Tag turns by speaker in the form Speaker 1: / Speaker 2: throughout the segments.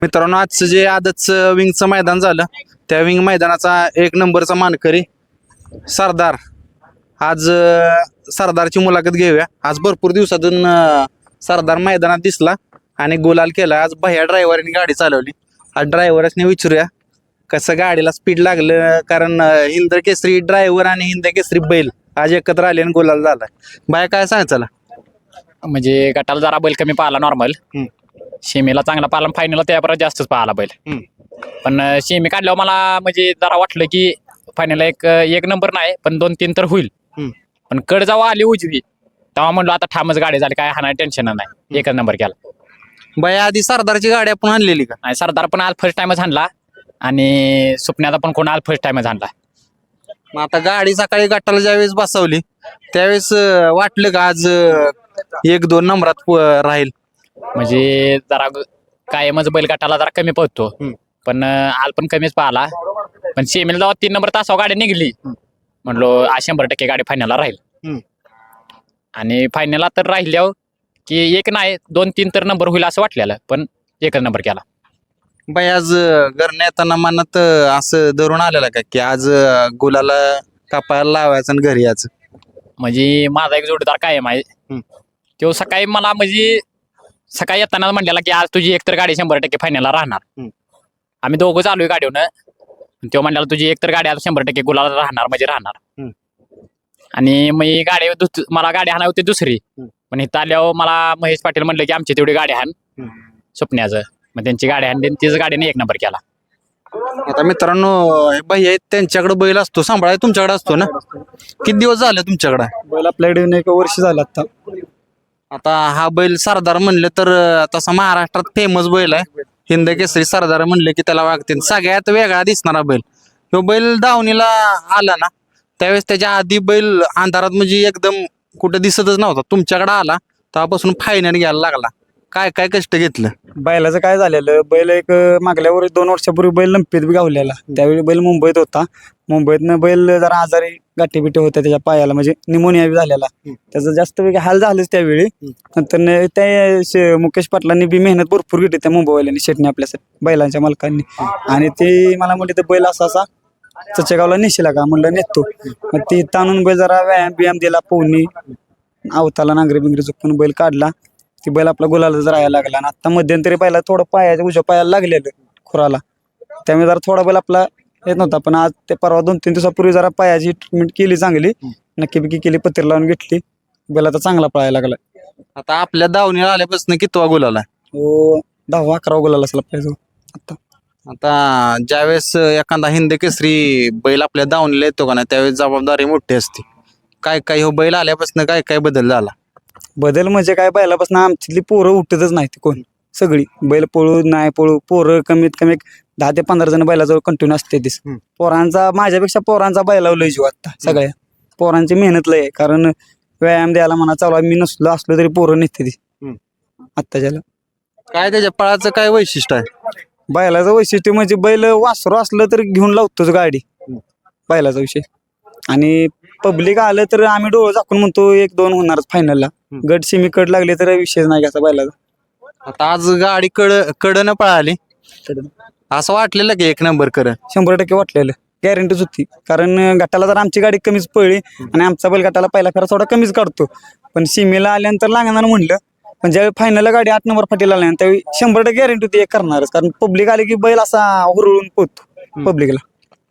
Speaker 1: मित्रांनो, आजचं जे आदतचं विंगचं मैदान झालं त्या विंग मैदानाचा 1 नंबरचा मानकरी सरदार. आज सरदारची मुलाखत घेऊया. आज भरपूर दिवसातून सरदार मैदानात दिसला आणि गुलाल केला. आज भैया ड्रायव्हरने गाडी चालवली. आज ड्रायव्हरने विचारूया कसं गाडीला स्पीड लागलं, कारण हिंद केसरी ड्रायव्हर आणि हिंद केसरी बैल आज एकत्र आले आणि गुलाल झाला. बाय काय सांगायचं?
Speaker 2: म्हणजे गटाला जरा बैल कमी पाहिला नॉर्मल, शेमीला चांगला पाहिला, फायनलला त्यापर्यंत जास्तच पाहिला बैल. पण शेमी काढल्यावर मला म्हणजे जरा वाटलं की फायनलला एक नंबर नाही पण 2-3 तर होईल. पण कड जेव्हा आली उजवी तेव्हा म्हणलो आता ठामच गाडी झाली, काय हा टेन्शन नाही, एकच नंबर केला.
Speaker 1: बाय आधी सरदारची गाडी आपण आणलेली का?
Speaker 2: आणि सरदार पण आज फर्स्ट टाइमच आणला आणि सुपण्याचा पण कोण आज फर्स्ट टाइमच आणला.
Speaker 1: मग आता गाडी सकाळी गटाला ज्यावेळेस बसवली त्यावेळेस वाटलं का आज 1-2 नंबरात राहील?
Speaker 2: म्हणजे जरा कायमच बैल गटाला जरा कमी पळतो, पण आल पण कमीच पाहिला. पण शेमीला जेव्हा 3 नंबर तासावर गाडी निघली म्हणलो 100% गाडी फायनलला राहील. आणि फायनलला तर राहिल्यावर की 1 नाही 2-3 तर नंबर होईल असं वाटलेलं, पण एकच नंबर केला.
Speaker 1: बाई आज घरने येताना मनात असं धरून आलेलं का की आज गुलाला कापायला लावायचं आणि घरी यायचं?
Speaker 2: म्हणजे माझा एक जोडीदार कायम आहे, तो सकाळी मला म्हणजे सकाळी येताना म्हणलेला की आज तुझी एकतर गाडी 100% फायनलला राहणार. आम्ही दोघं चालू आहे गाडीवरनं, तो म्हणलेला तुझी एकतर गाडी आता 100% गुलाला राहणार म्हणजे राहणार. आणि मग गाडी मला गाडी हाना होती दुसरी, पण इथं आल्यावर मला महेश पाटील म्हणलं की आमची तेवढी गाडी हाण सुपण्याचं. मग त्यांची गाडी आणली, तीच गाडीने 1 नंबर केला.
Speaker 1: आता मित्रांनो, बाई आहेत त्यांच्याकडे बैल असतो, सांभाळाय तुमच्याकडे असतो ना? किती दिवस झाले तुमच्याकडे
Speaker 3: बैल आपल्याकडे 1 वर्ष झालं आता.
Speaker 1: आता हा बैल सरदार म्हणले तर तसा महाराष्ट्रात फेमस बैल आहे. हिंद केसरी सरदार म्हणले की त्याला वागते. सगळ्यात वेगळा दिसणारा बैल तो बैल दावणीला आला ना त्यावेळेस त्याच्या आधी बैल अंधारात म्हणजे एकदम कुठं दिसतच नव्हता. तुमच्याकडे आला तेव्हापासून फायनल घ्यायला लागला. काय काय कष्ट घेतलं?
Speaker 3: बैलाचं काय झालेलं, बैल एक मागल्यावर 2 वर्षापूर्वी बैल लंपीत गावलेला. त्यावेळी बैल मुंबईत होता. मुंबईतनं बैल जरा आजारी गाठीबिठी होत्या त्याच्या पायाला, म्हणजे निमोनिया झालेला. त्याचं जास्त वेगळं हाल झालंच त्यावेळी. नंतर त्या मुकेश पाटलांनी बी मेहनत भरपूर घेतली त्या मुंबईवाल्यांनी, शेटणी आपल्यासाठी बैलांच्या मालकांनी. आणि ते मला म्हणले तर बैल असा चचेगावला नेशीला का? म्हणलं नेतो. मग ती ताणून बैल जरा व्यायाम दिला, पोहणी आवताला नांगरी बिंगरी चुकून बैल काढला. ती बैल आपला गुलालाच राहायला लागला. आणि आता मध्यंतरी पहिला थोडं पायाच्या उजव्या पायाला लागलेलं खुराला, त्यामुळे जरा थोडा बैल आपला येत नव्हता. पण आज ते परवा 2-3 दिवसापूर्वी जरा पायाची ट्रीटमेंट केली चांगली, नक्की केली, पत्ती लावून घेतली. बैल आता चांगला पळायला लागला.
Speaker 1: आता आपल्या दावणीला आल्यापासून कितवा गुलाल आहे?
Speaker 3: हो 10-11 गुलाल असला पाहिजे आता.
Speaker 1: आता ज्यावेळेस एखादा हिंद केसरी बैल आपल्या दावणीला येतो का नाही त्यावेळेस जबाबदारी मोठी असते. काय काय हो बैल आल्यापासून काय काय बदल झाला?
Speaker 3: बदल म्हणजे काय, बैलापासून आमच्यातली पोरं उठतच नाही कोण. सगळी बैल पळू नाही पळू पोरं कमीत कमी 10 ते 15 जण बैलाजवळ कंटिन्यू असते. पोरांचा माझ्यापेक्षा पोरांचा बैलावर लय जीव आता. सगळ्या पोरांची मेहनत लय आहे, कारण व्यायाम द्यायला म्हणा चालू मी नसलो असलो तरी पोरं निघते ती आत्ताच्याला.
Speaker 1: काय त्याच्या पळाचं काय वैशिष्ट्य आहे?
Speaker 3: बैलाचं वैशिष्ट्य म्हणजे बैल वासरू असलं तर घेऊन लावतोच गाडी, बैलाचा विषय. आणि पब्लिक आलं तर आम्ही डोळं झाकून म्हणतो 1-2 होणारच फायनलला. गट सेमी कड लागले तर विषय नाही घ्यायचा बैलाचा.
Speaker 1: आता आज गाडी कडनं पळाली, असं वाटलेलं की 1 नंबर कर?
Speaker 3: 100% वाटलेलं, गॅरंटीच होती. कारण गटाला जर आमची गाडी कमीच पळली आणि आमचा बैल गटाला पहिला फेरा थोडा कमीच काढतो, पण सीमेला आल्यानंतर लागणार म्हणलं. पण ज्यावेळी फायनलला गाडी 8 नंबर फाटीला आल्या त्यावेळी 100% गॅरंटी होती 1 करणारच. कारण पब्लिक आले की बैल असा हुरळून पोहतो पब्लिकला.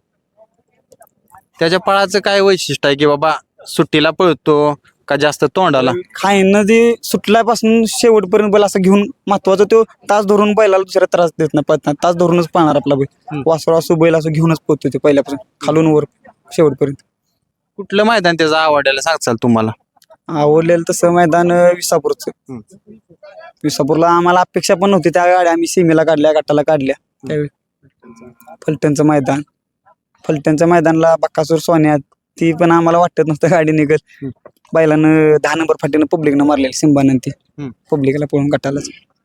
Speaker 1: त्याच्या पळाचं काय वैशिष्ट्य आहे की बाबा सुट्टीला पळतो का जास्त तोंडाला?
Speaker 3: खायनं जे सुटल्यापासून शेवटपर्यंत बैल असं घेऊन, महत्वाचं तो तास धरून बैलाला दुसऱ्या त्रास देत नाही, पळताना तास धरूनच पाहणार आपला बैल. वासरू असो बैल असो घेऊनच पोहतो ते पहिल्यापासून खालून वर शेवटपर्यंत.
Speaker 1: कुठलं मैदान त्याचं आवडायला सांगचाल तुम्हाला?
Speaker 3: आवडलेलं तसं मैदान विसापूरचं. विसापूरला आम्हाला अपेक्षा पण नव्हती त्या गाड्या आम्ही सीमेला काढल्या, गटाला काढल्या. त्यावेळी फलटणचं मैदान, फलटणच्या मैदानला बक्कासूर सोन्या, ती पण आम्हाला वाटत नव्हतं गाडी निघल. बैलानं 10 नंबर फाटीनं पब्लिकनं मारलेली सिंबानं, ती पब्लिकला पळून गटालाच.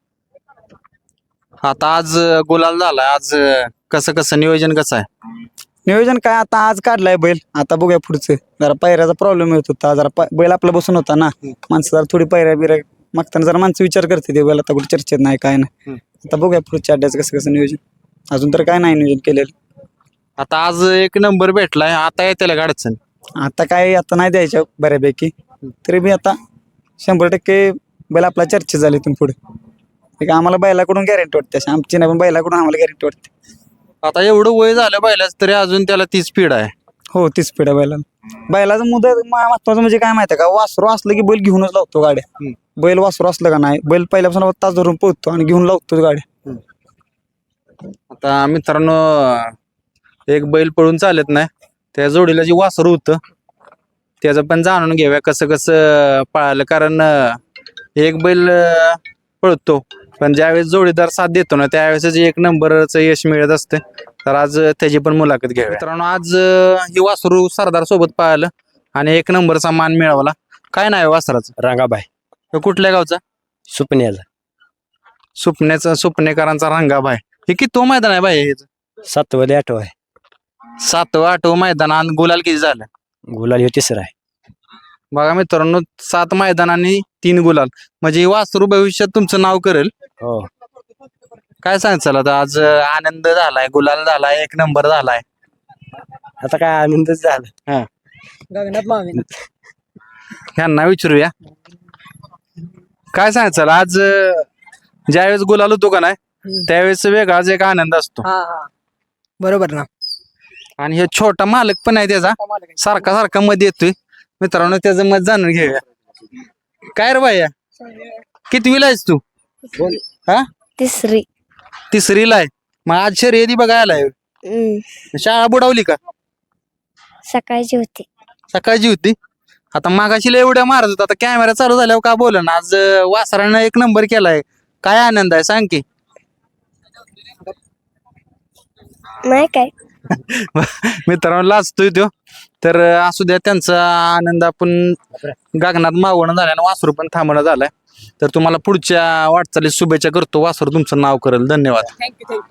Speaker 1: आता आज गुलाल झाला, आज कसं नियोजन कसं आहे?
Speaker 3: नियोजन काय आता आज काढलाय बैल, आता बघूया पुढचं. जरा पायऱ्याचा प्रॉब्लेम येत होता, जरा बैल आपला बसून होता ना, माणसं जरा थोडी पायऱ्या बिऱ्या मागताना जरा माणसं विचार करते ते बैल आता कुठे चर्चेत नाही काय नाही. आता बघूया पुढच्या अड्ड्याचं कसं कसं नियोजन. अजून तर काय नाही नियोजन केलेलं.
Speaker 1: आता आज एक नंबर भेटलाय, आता येते का अडचण?
Speaker 3: आता काय आता नाही द्यायच्या बऱ्यापैकी, तरी बी आता 100% बैल आपला चर्चा झाली इथून पुढे. एक आम्हाला बैलाकडून गॅरंटी वाटते, अशी आमची नाही पण बैलाकडून आम्हाला गॅरंटी वाटते.
Speaker 1: आता एवढं वय झालं बैलाच तरी अजून त्याला ती स्पीड आहे.
Speaker 3: हो तीच पिढ्या बैलाला. बैलाचं मुदत महत्वाचं म्हणजे काय माहिती आहे का, वासरू असलं की बैल घेऊनच लावतो गाड्या. बैल वासरू असलं का नाही, बैल पहिल्यापासून तास धरून पोहतो आणि घेऊन लावतो गाड्या.
Speaker 1: आता मित्रांनो, एक बैल पळून चालत नाही, त्या जोडीला जे वासरू होतं त्याचं पण जाणून घेऊया कसं कसं पळालं. कारण एक बैल पळतो पण ज्यावेळेस जोडीदार साथ देतो ना त्यावेळेस एक नंबरचं यश मिळत असते. तर आज त्याची पण मुलाखत घ्यावी. मित्रांनो, आज ही वासरू सरदार सोबत पळालं आणि एक नंबरचा मान मिळवला. काय नाव आहे वासराचं?
Speaker 4: रंगाबाई
Speaker 1: तो कुठल्या गावचा?
Speaker 4: सुपण्याला
Speaker 1: सुपनेकरांचा रंगाबाई. हे किती तो मैदान आहे बाई?
Speaker 4: 7वा 8वा आहे.
Speaker 1: 7वा 8वा मैदान आणि गुलाल किती झालं?
Speaker 4: गुलाल ह्यो 3रा आहे.
Speaker 1: बघा मित्रांनो, 7 मैदानांनी 3 गुलाल, म्हणजे ही वासरू भविष्यात तुमचं नाव करेल.
Speaker 4: हो
Speaker 1: काय सांगचाल आता? आज आनंद झालाय, गुलाल झालाय, एक नंबर झालाय.
Speaker 4: आता काय आनंदच झाला.
Speaker 1: ह्यांना विचारूया काय सांगचाल. आज ज्यावेळेस गुलाल होतो का नाही त्यावेळेस वेगळाच एक आनंद असतो.
Speaker 5: बरोबर ना.
Speaker 1: आणि हे छोटा मालक पण आहे त्याचा, सारखा सारखा मध्ये येतोय. मित्रांनो, त्याचं मत जाणून घेऊया. काय रे बाया, कितवीला आहेस तू? हा, तिसरीला आहे. मग आज शर्यती बघायला आहे. शाळा बुडावली का?
Speaker 6: सकाळची होती.
Speaker 1: सकाळची होती. आता मागाशी लय एवढ्या मारत होता, आता कॅमेरा चालू झाल्यावर का बोल ना. आज वासरानं एक नंबर केलाय, काय आनंद आहे सांग की.
Speaker 6: नाही काय
Speaker 1: मित्रांनो, लाजतोय तो. तर असू द्या, त्यांचा आनंद आपण गगनात मावणं झालाय आणि वासरू पण थांबणं झालाय. तर तुम्हाला पुढच्या वाटचालीस शुभेच्छा करतो. वासरू तुमचं नाव करेल. धन्यवाद.